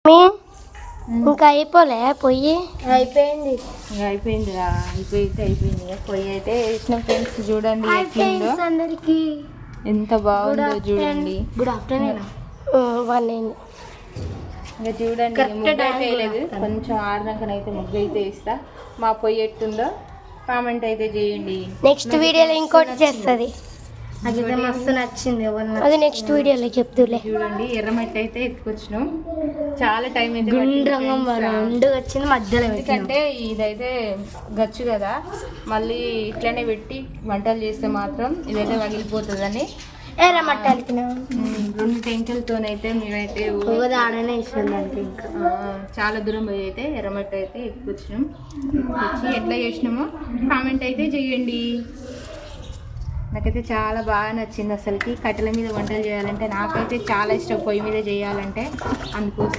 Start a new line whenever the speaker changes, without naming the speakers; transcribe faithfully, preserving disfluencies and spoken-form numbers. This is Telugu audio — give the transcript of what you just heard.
ఇంకా అయిపోలే పొయ్యి
అయిపోయింది అయిపోయింది అయిపోయితే అయిపోయింది పొయ్యి అయితే వేసిన ఫ్రెండ్స్ చూడండి ఎట్లుందో
అందరికి
ఎంత బాగుందో చూడండి.
గుడ్ ఆఫ్టర్నూన్ వన్
ఇంకా చూడండి ముగ్గు అయితే వేయలేదు, కొంచెం ఆరుదాకనైతే ముగ్గు అయితే వేస్తా. మా పొయ్యి ఎట్టుందో కామెంట్ అయితే చేయండి.
నెక్స్ట్ వీడియోలో ఇంకోటి చేస్తుంది,
నాకైతే మస్తు నచ్చింది.
అది నెక్స్ట్ వీడియోలో చెప్తులే.
చూడండి ఎర్రమట్టి అయితే ఎత్తుకొచ్చినాం, చాలా టైం అయితే
వచ్చింది మధ్యలో.
ఎందుకంటే ఇదైతే గచ్చు కదా, మళ్ళీ ఇట్లనే పెట్టి వంటలు చేస్తే మాత్రం ఇదైతే పగిలిపోతుందని
ఎర్రమట్టి అలికినాం.
రెండు టెంకలతోనైతే మేమైతే
ఆడనే ఇష్టం దానికి. ఇంకా
చాలా దూరం పోయి అయితే ఎర్రమట్టి అయితే ఎత్తుకొచ్చినాం. ఎత్తుకొచ్చి ఎట్లా చేసినామో కామెంట్ అయితే చేయండి. నాకైతే చాలా బాగా నచ్చింది. అసలుకి కట్టెల మీద వంటలు చేయాలంటే నాకైతే చాలా ఇష్టం, పొయ్యి మీద చేయాలంటే. అందుకోసం